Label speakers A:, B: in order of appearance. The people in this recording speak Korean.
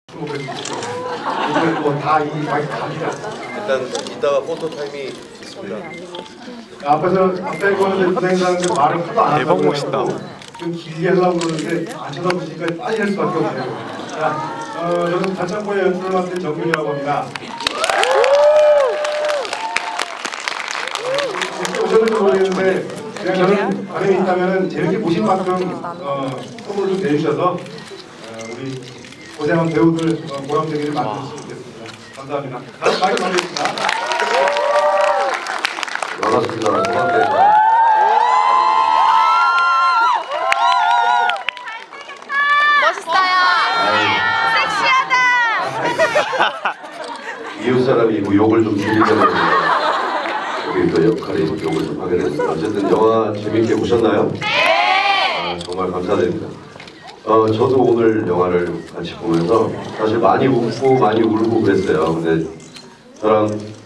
A: 뭐다 이 많이 갑니다.
B: 일단 이따가 포토 타임이 있습니다.
A: 앞에 거는 부장님들 말을 하도 안
C: 대박
A: 하고
C: 멋있다.
A: 좀 길게 하려고 그러는데 안 쳐다보시니까 빠질 수밖에 없네요. 자, 저는 단창고의 연출을 맡은 정균이라고 합니다. 오셨는지 모르겠는데 그냥 저는 반응이 있다면 재밌게 보신 만큼 선물을 좀 내주셔서 우리 고생한 배우들 보람되기를 만들었으면 좋겠습니다. 감사합니다. 다음 마이크 드리겠습니다.
D: 반갑습니다. 고맙습니다.
E: 멋있어요. 섹시하다.
D: 이웃 사람이고 욕을 좀 줄이려고 우리 또 역할이 욕을 좀 하게 됐습니다. 어쨌든 영화 재밌게 보셨나요? 네. 정말 감사드립니다. 저도 오늘 영화를 같이 보면서 사실 많이 웃고 많이 울고 그랬어요. 근데 저랑